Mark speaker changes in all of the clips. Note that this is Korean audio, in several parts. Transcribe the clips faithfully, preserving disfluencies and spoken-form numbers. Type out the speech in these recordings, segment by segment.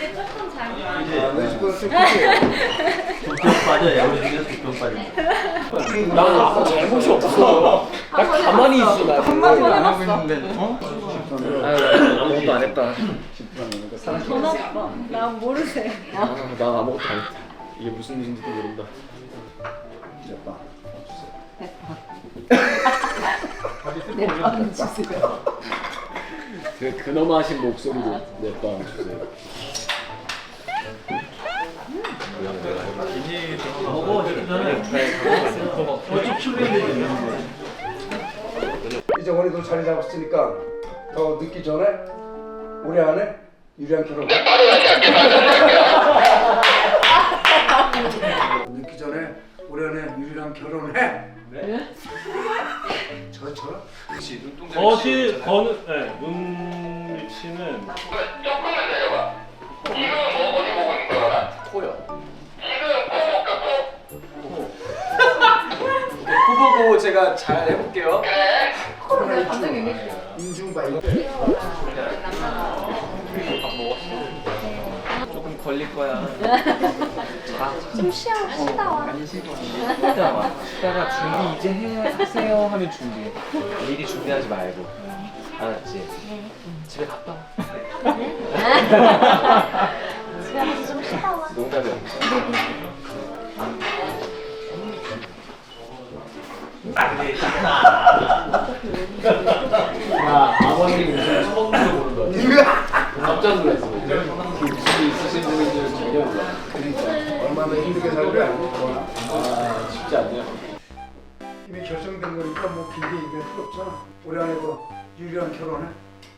Speaker 1: 이제 조금 잘
Speaker 2: 아, 내 집은 좀 크게.
Speaker 3: 두병 빠져요. 우리 중에서 두병 빠져.
Speaker 4: 나는 아무 잘못이 없어. 나 가만히 있어. 나
Speaker 1: 한마디도 안
Speaker 4: 하고
Speaker 1: 해봤어.
Speaker 4: 있는데. 어? 아유, 아무것도 안 했다.
Speaker 1: 전화 봐. 나 모르세요.
Speaker 4: 아, 나 아무것도 안 했다. 이게 무슨 일인지도 모른다.
Speaker 2: 예뻐.
Speaker 5: 내 빵 주세요.
Speaker 4: 그 근엄하신 목소리로 내빵 주세요.
Speaker 3: 먹어 저기 전에. 어찌 출근인데
Speaker 2: 이제 원희도 자리 잡았으니까 더 늦기 전에 올해 안에 유리한 결혼. 늦기 전에 올해 안에 유리랑 결혼해. 네? 저처럼?
Speaker 4: 혹시 눈동자
Speaker 6: 거실 거는 네, 눈 위치는
Speaker 7: 조금만 내려봐. 지금 뭐 어디 보고 있는 거야?
Speaker 4: 코요.
Speaker 7: 지금 코 볼까? 코?
Speaker 4: 코 보고 제가 잘 해볼게요.
Speaker 7: 그래.
Speaker 2: 인중바 이거.
Speaker 4: 조금 걸릴 거야.
Speaker 1: 좀 쉬어, 쉬다 와.
Speaker 4: 쉬다 와. 쉬다가 준비 이제 해 하세요 하면 준비해. 미리 준비하지 말고. 알았지? 집에 갔다 와.
Speaker 1: 집에 가서 좀 쉬다 와.
Speaker 4: 농담이야. 야, 아버님 무슨 처음 들어보는 거야? 깜짝 놀랐어. 무슨 있으신 분인지 전혀 몰라.
Speaker 2: 그러니까 얼마나 힘들게 살고 알고.
Speaker 4: 아, 쉽지 않네요.
Speaker 2: 이미 결정된 거니까 뭐 길게 얘기할 필요 없잖아. 올해 안에 그 유리랑 결혼해.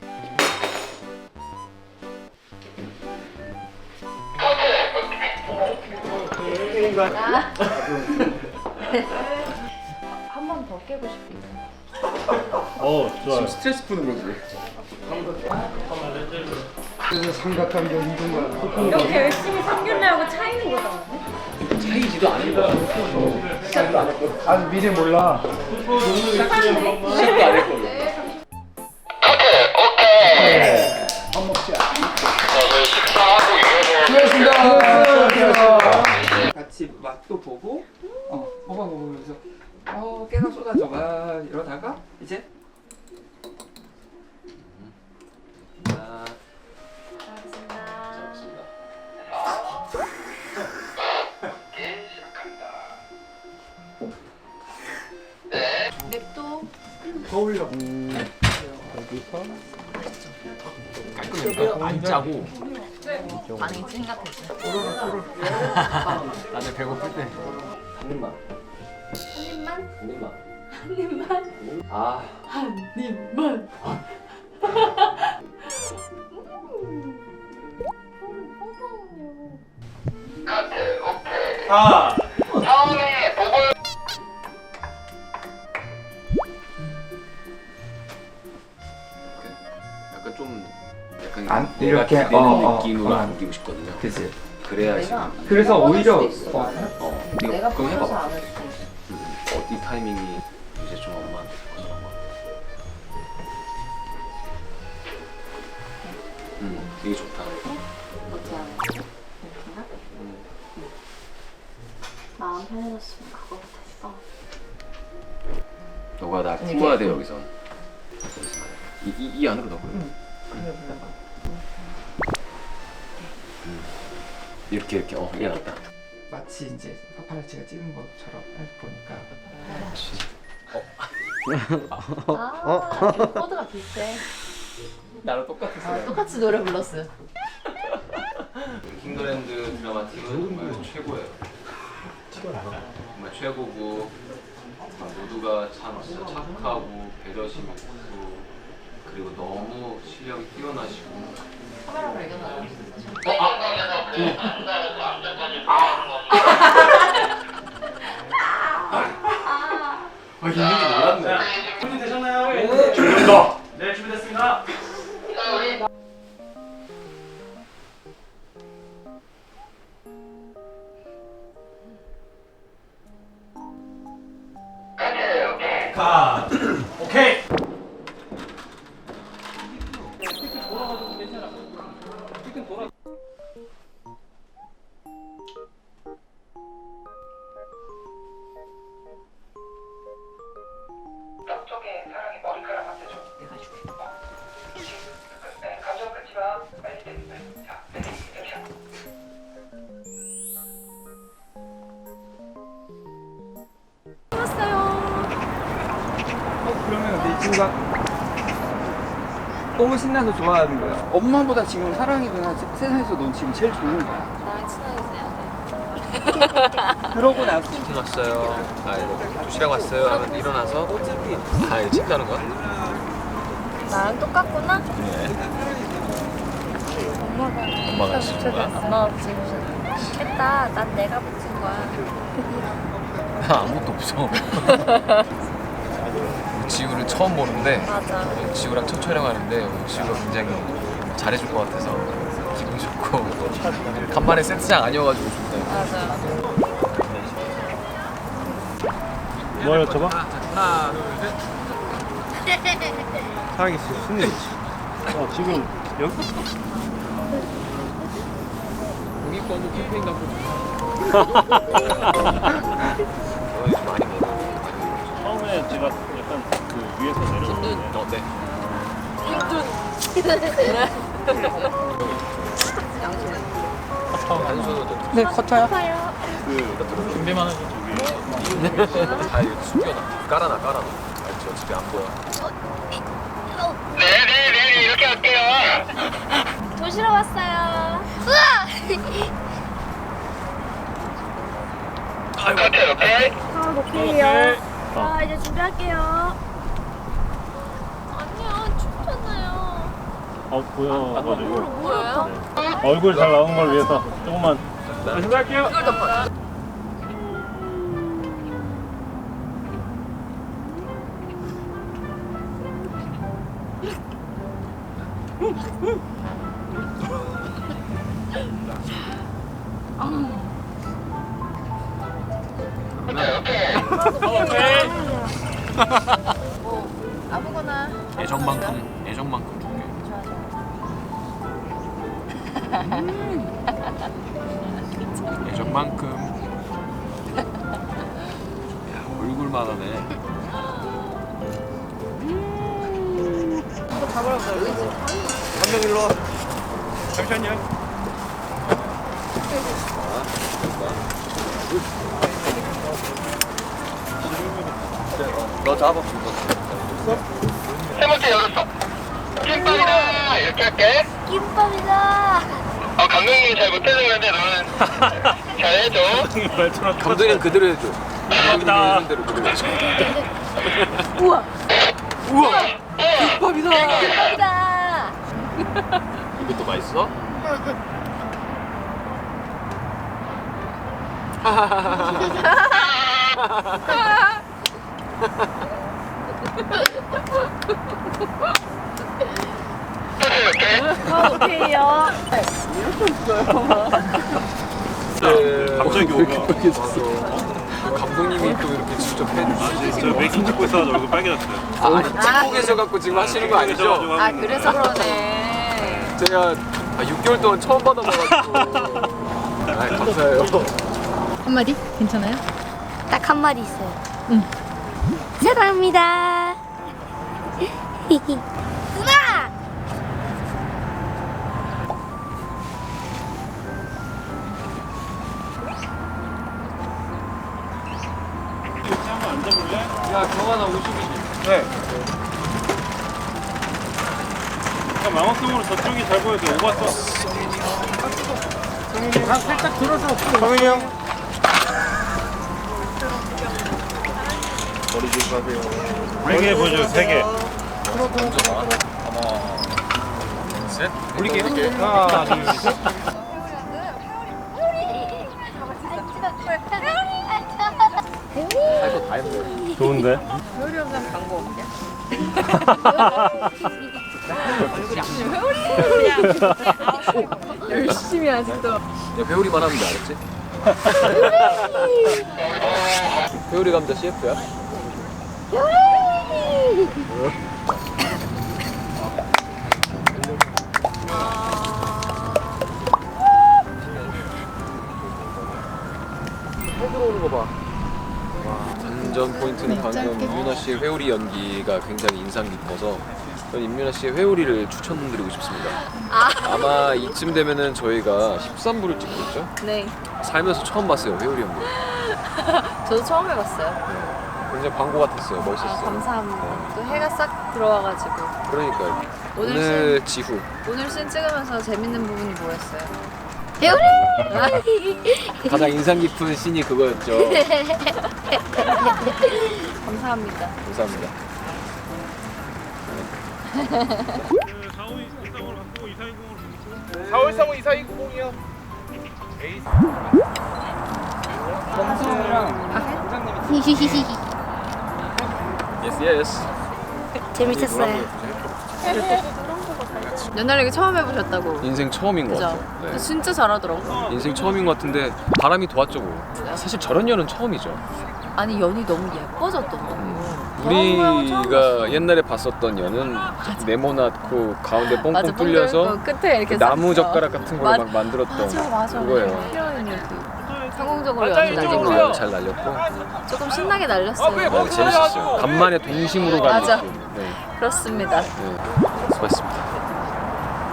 Speaker 1: 한 번 더 깨고 싶긴 해.
Speaker 6: 어 좋아요.
Speaker 4: 지금 스트레스 푸는 거지.
Speaker 2: 그래서 삼각관계 힘든 거야.
Speaker 1: 이렇게 열심히 상견례하고 차이는 거잖아.
Speaker 4: 차이지도 않은 시작도 안 했거든.
Speaker 2: 아직 미래 몰라.
Speaker 4: 시작도 안 했거든.
Speaker 2: 밥 먹자.
Speaker 7: 저희 식사하고 이어서
Speaker 2: 수고하셨습니다.
Speaker 8: 같이 맛도 보고 어 먹어 먹으면서 어 깨가 쏟아져가 이러다가 이제
Speaker 4: 자,
Speaker 1: 고맙습니다. 냅둬.
Speaker 2: 거울려.
Speaker 4: 안 짜고.
Speaker 5: 반응이 생각했어.
Speaker 4: 나는 배고플 때. 한 입만.
Speaker 1: 한 입만?
Speaker 4: 한 입만.
Speaker 1: 한 입만?
Speaker 4: 아.
Speaker 1: 한 입만.
Speaker 7: 카트 오케이.
Speaker 6: 아
Speaker 7: 다음에 보고
Speaker 4: 약간 좀 약간
Speaker 8: 안-
Speaker 4: 내가
Speaker 8: 이렇게,
Speaker 4: 기대는
Speaker 8: 어, 어,
Speaker 4: 느낌으로
Speaker 8: 어.
Speaker 4: 남기고 싶거든요.
Speaker 8: 그치.
Speaker 4: 그래야지.
Speaker 5: 내가
Speaker 8: 그래서 오히려
Speaker 5: 뻔할 수도 있어.
Speaker 8: 어,
Speaker 4: 어,
Speaker 5: 내가
Speaker 4: 그거
Speaker 5: 보여서
Speaker 4: 해봐.
Speaker 5: 안 할 수도 있어.
Speaker 4: 음, 어디 타이밍이 이제 좀 엄마한테 그런 거. 음, 되게 좋다.
Speaker 5: 어떻게 하는 거야? 이렇게나?
Speaker 4: 음.
Speaker 1: 마음 편해졌으면 그거부터 했어.
Speaker 4: 너가 나
Speaker 5: 이게-
Speaker 4: 품어야 돼 여기서. 이, 이, 이 안으로 넣어. 응. 이렇게 이렇게 어 이게 낫다.
Speaker 8: 마치 이제 파파라치가 찍은 것처럼 보니까
Speaker 1: 아, 그 코드가 비슷해.
Speaker 4: 나랑 똑같았어.
Speaker 5: 아, 똑같이 노래 불렀어요.
Speaker 4: 킹더랜드 드라마 팀은 정말 최고예요. 정말 최고고 정말 모두가 참 진짜 착하고 배려심 있고 그리고 너무 실력이 뛰어나시고.
Speaker 5: 카메라 발견하라.
Speaker 4: 아 있는지 몰랐네.
Speaker 6: 준비되셨나요? 네. 준비됐습니다. 네 준비됐습니다. 가. 오케이.
Speaker 8: 지우가 너무 신나서 좋아하는 거야. 엄마보다 지금 사랑이 누나 세- 세상에서 넌 지금 제일 좋은 거야.
Speaker 5: 나랑 친하게 지내야
Speaker 8: 그러고 나서
Speaker 4: 치킨 왔어요. 아 이거 도시락 왔어요. 하면 일어나서 아 이거 친다는 거야?
Speaker 5: 돼. 나랑 똑같구나?
Speaker 4: 엄마가 시킨 거야?
Speaker 5: 엄마가 붙인 거야. 했다. 난 내가 붙인 거야.
Speaker 4: 아무것도 없어. 지우를 처음 보는데
Speaker 5: 맞아.
Speaker 4: 지우랑 첫 촬영하는데 지우가 굉장히 잘해줄 것 같아서 기분 좋고 간만에 세트장 아니어가지고 좋다.
Speaker 5: 맞아.
Speaker 6: 뭐 여쭤봐?
Speaker 4: 하나 둘 셋.
Speaker 6: 사랑이 무슨 일이지? 어 지금 여기
Speaker 4: 공익권도 캠페인 갖고 많이 먹어.
Speaker 6: 처음에 제가 약간 그 위에서 내려오는데
Speaker 4: 어, 네.
Speaker 8: 네 커터요.
Speaker 6: 그 준비만 해서 저기
Speaker 4: 아 이거 숨겨놔. 깔아놔 깔아놔. 알지 어차피 안 보여.
Speaker 7: 네네네 이렇게 할게요.
Speaker 5: 도시락 왔어요.
Speaker 7: 오케이 오케이.
Speaker 5: 아,
Speaker 6: 오케이.
Speaker 5: 아, 이제 준비할게요. 아니야, 춥잖아요.
Speaker 6: 어 보여가지고
Speaker 5: 뭐예요?
Speaker 6: 얼굴 잘 나오는 걸 위해서 조금만 준비할게요. 오케이.
Speaker 5: 뭐, 아무거나.
Speaker 4: 애정만큼 애정만큼 줄게. 애정만큼. 야 얼굴만 하네. 한 명 일로 와.
Speaker 6: 잠시만요.
Speaker 4: 너 잡아.
Speaker 7: 세 번째 열었어. 김밥이다 이렇게 할게.
Speaker 5: 김밥이다.
Speaker 7: 어 감독님이 잘 못해서 그런데 너는 잘해줘.
Speaker 6: 말처럼
Speaker 4: 감독님 그대로 해줘.
Speaker 6: 감사합니다.
Speaker 4: 감독님 대로 그대로 해줘.
Speaker 5: 우와.
Speaker 4: 우와. 김밥이다.
Speaker 5: 김밥이다.
Speaker 4: 이것도 맛있어?
Speaker 5: 아, 오케이요.
Speaker 6: 갑자기 오면
Speaker 4: 감독님이 또 이렇게 직접 해주시지.
Speaker 6: 저 메이킹 찍고 있어가지고 얼굴 빨개졌어요.
Speaker 4: 아, 아니 찍고 계셔갖고 지금 하시는 거 아니죠?
Speaker 5: 아, 그래서 그러네.
Speaker 4: 제가 아, 육 개월 동안 처음 받아봐가지고 아, 감사해요.
Speaker 5: 한마디? 괜찮아요?
Speaker 1: 딱 한 마디 있어요. 응. 사랑합니다. 누나!
Speaker 6: 한번 앉아볼래?
Speaker 4: 야 경환아 오십이지?
Speaker 6: 네. 약간 망원경으로 저쪽이 잘 보여서 오고 왔어. 성윤이 형 살짝 들어서. 성윤이 형. 머리 조심하세요. 세 개 보여줘요. 세 개.
Speaker 4: 셋 올릴게요.
Speaker 6: 하나, 둘, 셋.
Speaker 4: 할거 다 했네.
Speaker 6: 좋은데?
Speaker 5: 회오리 영상 광고 없냐? 열심히 아직도.
Speaker 4: 야 회오리만 하면 돼 알았지? 회오리 감자 씨에프야? 해 들어오는 거 봐. 와, 완전 포인트는 방금 임윤아 씨의 회오리 연기가 굉장히 인상 깊어서 저는 임윤아 씨의 회오리를 추천드리고 싶습니다. 아마 이쯤 되면은 저희가 십삼 부를 찍고 있죠?
Speaker 5: 네.
Speaker 4: 살면서 처음 봤어요 회오리 연기.
Speaker 5: 저도 처음 해봤어요.
Speaker 4: 굉장히 광고 같았어요.
Speaker 5: 아,
Speaker 4: 멋있었어요.
Speaker 5: 감사합니다. 또 해가 싹 들어와가지고.
Speaker 4: 그러니까요.
Speaker 5: 오늘
Speaker 4: 오늘 지후.
Speaker 5: 오늘 씬 찍으면서 재밌는 부분이 뭐였어요?
Speaker 1: 배우리.
Speaker 4: 가장 인상 깊은 씬이 그거였죠.
Speaker 5: 감사합니다.
Speaker 4: 감사합니다.
Speaker 6: 사월삼호 이사이공이요.
Speaker 8: 정성이랑
Speaker 4: 예스 예스.
Speaker 1: 재밌었어요.
Speaker 5: 연날레기 처음 해보셨다고.
Speaker 4: 인생 처음인 것
Speaker 5: 그죠?
Speaker 4: 같아요.
Speaker 5: 근데
Speaker 4: 네.
Speaker 5: 진짜 잘하더라고.
Speaker 4: 인생 처음인 것 같은데 바람이 도왔죠 뭐. 사실 저런 연은 처음이죠.
Speaker 5: 아니 연이 너무 예뻐졌더라고.
Speaker 4: 우리가 옛날에 봤었던 연은 네모나고 가운데 뻥뻥
Speaker 5: 맞아,
Speaker 4: 뚫려서
Speaker 5: 뻥 뚫고 끝에 이렇게
Speaker 4: 그 나무
Speaker 5: 써.
Speaker 4: 젓가락 같은 걸로
Speaker 5: 맞-
Speaker 4: 막 만들었던
Speaker 5: 맞아 맞아.
Speaker 4: 그거예요.
Speaker 5: 필요한 얘기. 성공적으로
Speaker 6: 맞아,
Speaker 5: 연을
Speaker 6: 이쪽으로
Speaker 5: 날리고
Speaker 6: 오세요.
Speaker 4: 잘 날렸고
Speaker 5: 조금 신나게 날렸어요.
Speaker 4: 네, 재밌었어요. 간만에 동심으로 가는
Speaker 5: 맞아.
Speaker 4: 느낌. 네.
Speaker 5: 그렇습니다.
Speaker 4: 네. 수고했습니다.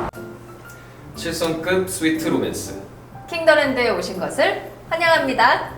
Speaker 4: 칠성급 스위트 로맨스.
Speaker 5: 킹더랜드에 오신 것을 환영합니다.